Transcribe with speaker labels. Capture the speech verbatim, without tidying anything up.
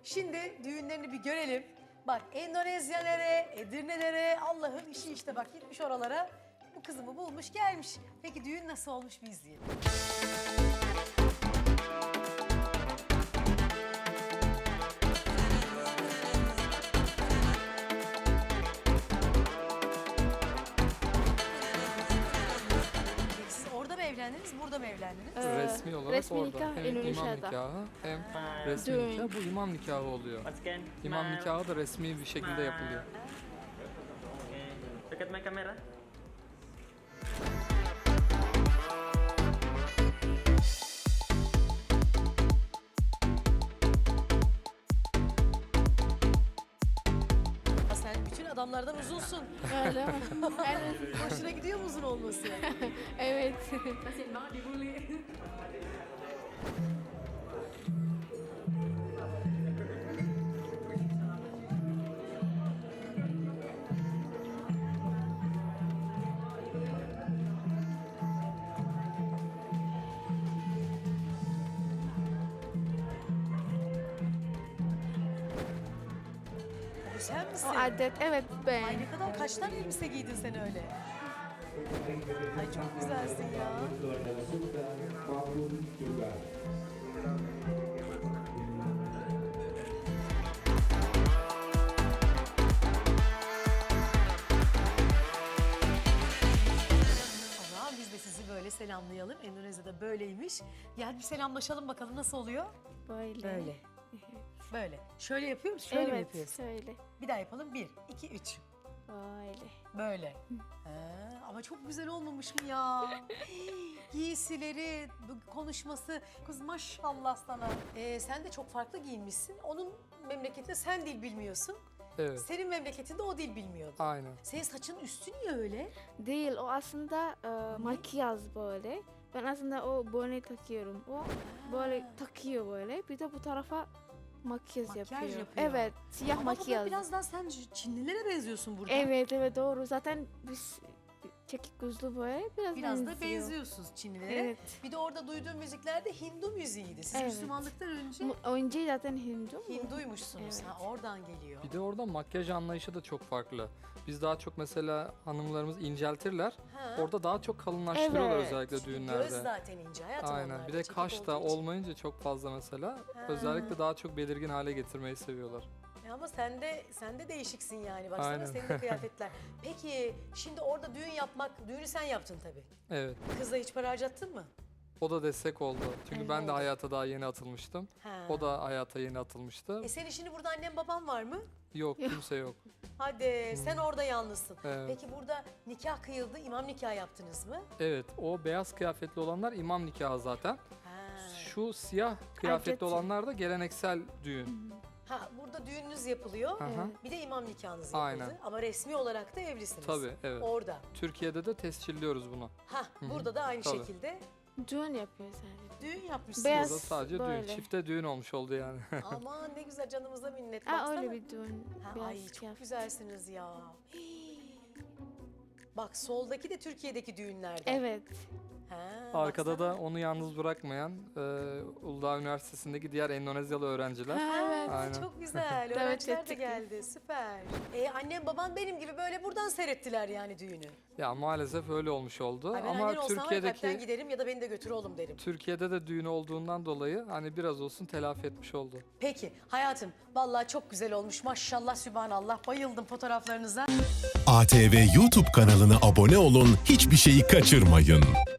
Speaker 1: Şimdi düğünlerini bir görelim. Bak Endonezya nere, Edirne nere, Allah'ın işi işte bak gitmiş oralara. Bu kızımı bulmuş gelmiş. Peki düğün nasıl olmuş bir izleyelim. Peki siz orada mı evlendiniz, burada mı evlendiniz?
Speaker 2: Ee,
Speaker 3: Resmi olarak
Speaker 2: resmi
Speaker 3: orada.
Speaker 2: nikah
Speaker 3: Hem imam
Speaker 2: Endonezya'da.
Speaker 3: nikahı hem resmi
Speaker 2: Düğün.
Speaker 3: nikah. Bu imam nikahı oluyor.
Speaker 4: Once again,
Speaker 3: İmam
Speaker 4: smile.
Speaker 3: nikahı da resmi bir şekilde yapılıyor.
Speaker 4: Okay. Look at my camera.
Speaker 1: Ya sen bütün adamlardan uzunsun.
Speaker 2: Öyle mi? Evet.
Speaker 1: Hoşuna gidiyor mu uzun olması?
Speaker 2: Evet.
Speaker 1: Bu sen misin?
Speaker 2: O adet evet ben.
Speaker 1: Ay ne kadar kaç tane elbise giydin sen öyle? Ay çok güzelsin ya. O zaman biz de sizi böyle selamlayalım. Endonezya'da böyleymiş. Gel bir selamlaşalım bakalım nasıl oluyor?
Speaker 2: Böyle.
Speaker 1: Böyle. Böyle. Şöyle yapıyor musun? Şöyle mi
Speaker 2: Evet
Speaker 1: yapıyorsun?
Speaker 2: şöyle.
Speaker 1: Bir daha yapalım. Bir, iki, üç.
Speaker 2: Böyle.
Speaker 1: Böyle. Ha, ama çok güzel olmamış mı ya? Giysileri, bu konuşması. Kız maşallah sana. Ee, sen de çok farklı giyinmişsin. Onun memleketinde sen dil bilmiyorsun.
Speaker 3: Evet.
Speaker 1: Senin memleketinde o dil bilmiyordu.
Speaker 3: Aynen.
Speaker 1: Senin saçın üstü niye öyle?
Speaker 2: Değil o aslında e, makyaj böyle. Ben aslında o bonet takıyorum. O böyle takıyor böyle. Bir de bu tarafa makyaj,
Speaker 1: Makyaj
Speaker 2: yapıyor.
Speaker 1: yapıyor.
Speaker 2: Evet siyah
Speaker 1: Ama burada
Speaker 2: makyaj.
Speaker 1: biraz daha sen Çinlilere benziyorsun burada.
Speaker 2: Evet evet doğru. Zaten biz çekik gözlü böyle biraz,
Speaker 1: Biraz da
Speaker 2: benziyor.
Speaker 1: benziyorsunuz Çinlilere.
Speaker 2: Evet.
Speaker 1: Bir de orada duyduğum müziklerde Hindu müziğiydi. Siz
Speaker 2: Evet.
Speaker 1: Müslümanlıktan önce
Speaker 2: Mu- Önce zaten Hindu.
Speaker 1: Hinduymuşsunuz.
Speaker 2: Evet.
Speaker 1: Ha, oradan geliyor.
Speaker 3: Bir de orada makyaj anlayışı da çok farklı. Biz daha çok mesela hanımlarımız inceltirler.
Speaker 1: Ha.
Speaker 3: Orada daha çok kalınlaştırıyorlar
Speaker 2: Evet.
Speaker 3: özellikle
Speaker 1: Göz
Speaker 3: düğünlerde.
Speaker 1: zaten ince hayatım
Speaker 3: Aynen.
Speaker 1: onlarda,
Speaker 3: Bir de
Speaker 1: çekik
Speaker 3: kaş da
Speaker 1: olduğu için.
Speaker 3: olmayınca çok fazla mesela.
Speaker 1: Ha.
Speaker 3: Özellikle daha çok belirgin hale getirmeyi seviyorlar.
Speaker 1: E ama sen de sen de değişiksin yani. Baksana
Speaker 3: Aynen.
Speaker 1: senin de kıyafetler. Peki şimdi orada düğün yapmak, düğünü sen yaptın tabii.
Speaker 3: Evet.
Speaker 1: Kızla hiç para harcattın mı?
Speaker 3: O da destek oldu. Çünkü
Speaker 2: Evet.
Speaker 3: ben de hayata daha yeni atılmıştım.
Speaker 1: Ha.
Speaker 3: O da hayata yeni atılmıştı.
Speaker 1: E senin şimdi burada annen baban var mı?
Speaker 3: Yok, kimse yok.
Speaker 1: Hadi sen orada yalnızsın.
Speaker 3: Evet.
Speaker 1: Peki burada nikah kıyıldı, imam nikah yaptınız mı?
Speaker 3: Evet, o beyaz kıyafetli olanlar imam nikahı zaten.
Speaker 1: Ha.
Speaker 3: Şu siyah kıyafetli
Speaker 2: Adet.
Speaker 3: olanlar da geleneksel düğün.
Speaker 1: Ha burada düğününüz yapılıyor.
Speaker 3: Aha.
Speaker 1: Bir de imam nikahınız yapıldı.
Speaker 3: Aynen.
Speaker 1: Ama resmi olarak da evlisiniz.
Speaker 3: Tabii, evet.
Speaker 1: Orada.
Speaker 3: Türkiye'de de tescilliyoruz bunu.
Speaker 1: Ha burada da aynı
Speaker 3: Tabii.
Speaker 1: şekilde
Speaker 2: Düğün yapıyor sadece.
Speaker 1: düğün yapmışsınız.
Speaker 2: Beyaz.
Speaker 3: Burada sadece
Speaker 2: böyle.
Speaker 3: düğün, çifte düğün olmuş oldu yani.
Speaker 1: Aman ne güzel canımıza minnet.
Speaker 2: Aa,
Speaker 1: Baksana.
Speaker 2: öyle bir düğün.
Speaker 1: Ha,
Speaker 2: Beyaz
Speaker 1: ay çok
Speaker 2: kıyafet.
Speaker 1: güzelsiniz ya. Hii. Bak soldaki de Türkiye'deki düğünlerden.
Speaker 2: Evet.
Speaker 1: Ha,
Speaker 3: Arkada
Speaker 1: baksana.
Speaker 3: da onu yalnız bırakmayan e, Uludağ Üniversitesi'ndeki diğer Endonezyalı öğrenciler.
Speaker 2: Ha, evet.
Speaker 1: Ha,
Speaker 3: Aynen.
Speaker 1: çok güzel.
Speaker 2: Evet,
Speaker 1: Öğrenciler de
Speaker 2: ettik.
Speaker 1: geldi. Süper. E, annem baban benim gibi böyle buradan seyrettiler yani düğünü.
Speaker 3: Ya maalesef öyle olmuş oldu.
Speaker 1: Ay ben
Speaker 3: Ama
Speaker 1: annen olsam var ya, kalpten
Speaker 3: Türkiye'deki
Speaker 1: giderim ya da beni de götür oğlum derim.
Speaker 3: Türkiye'de de düğün olduğundan dolayı hani biraz olsun telafi etmiş oldu.
Speaker 1: Peki hayatım vallahi çok güzel olmuş. Maşallah sübhanallah. Bayıldım fotoğraflarınıza.
Speaker 5: A T V YouTube kanalına abone olun, hiçbir şeyi kaçırmayın.